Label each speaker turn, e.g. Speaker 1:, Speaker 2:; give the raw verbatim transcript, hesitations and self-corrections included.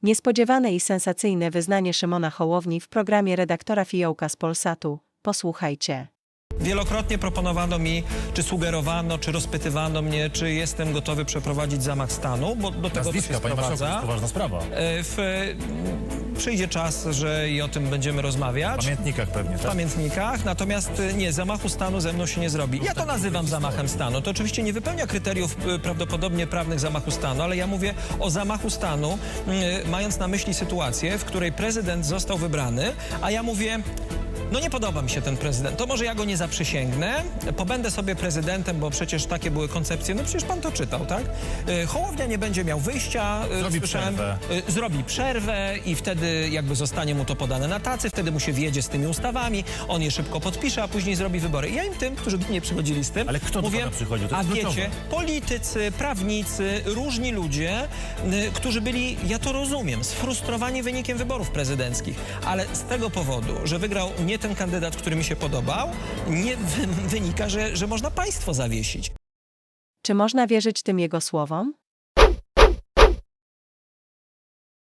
Speaker 1: Niespodziewane i sensacyjne wyznanie Szymona Hołowni w programie redaktora Fiołka z Polsatu. Posłuchajcie.
Speaker 2: Wielokrotnie proponowano mi, czy sugerowano, czy rozpytywano mnie, czy jestem gotowy przeprowadzić zamach stanu, bo do tego to się
Speaker 3: Nazwiska, panie marszałku, to
Speaker 2: sprowadza.
Speaker 3: jest poważna sprawa.
Speaker 2: E, W, przyjdzie czas, że i o tym będziemy rozmawiać.
Speaker 3: W pamiętnikach pewnie,
Speaker 2: W
Speaker 3: tak?
Speaker 2: pamiętnikach, natomiast e, nie, zamachu stanu ze mną się nie zrobi. Ja to nazywam zamachem stanu. To oczywiście nie wypełnia kryteriów e, prawdopodobnie prawnych zamachu stanu, ale ja mówię o zamachu stanu, e, mając na myśli sytuację, w której prezydent został wybrany, a ja mówię... No nie podoba mi się ten prezydent, to może ja go nie zaprzysięgnę, pobędę sobie prezydentem, bo przecież takie były koncepcje, no przecież pan to czytał, tak? Y, Hołownia nie będzie miał wyjścia, y,
Speaker 3: Zrobi
Speaker 2: słyszałem,
Speaker 3: przerwę.
Speaker 2: y, zrobi przerwę i wtedy jakby zostanie mu to podane na tacy, wtedy mu się wjedzie z tymi ustawami, on je szybko podpisze, a później zrobi wybory. I ja im tym, którzy do mnie przychodzili z tym,
Speaker 3: Ale kto do
Speaker 2: mówię,
Speaker 3: pana przychodził? To
Speaker 2: a
Speaker 3: jest
Speaker 2: wiecie,
Speaker 3: kluczowe.
Speaker 2: politycy, prawnicy, różni ludzie, y, którzy byli, ja to rozumiem, sfrustrowani wynikiem wyborów prezydenckich, ale z tego powodu, że wygrał nie ten kandydat, który mi się podobał, nie wy wynika, że, że można państwo zawiesić.
Speaker 1: Czy można wierzyć tym jego słowom?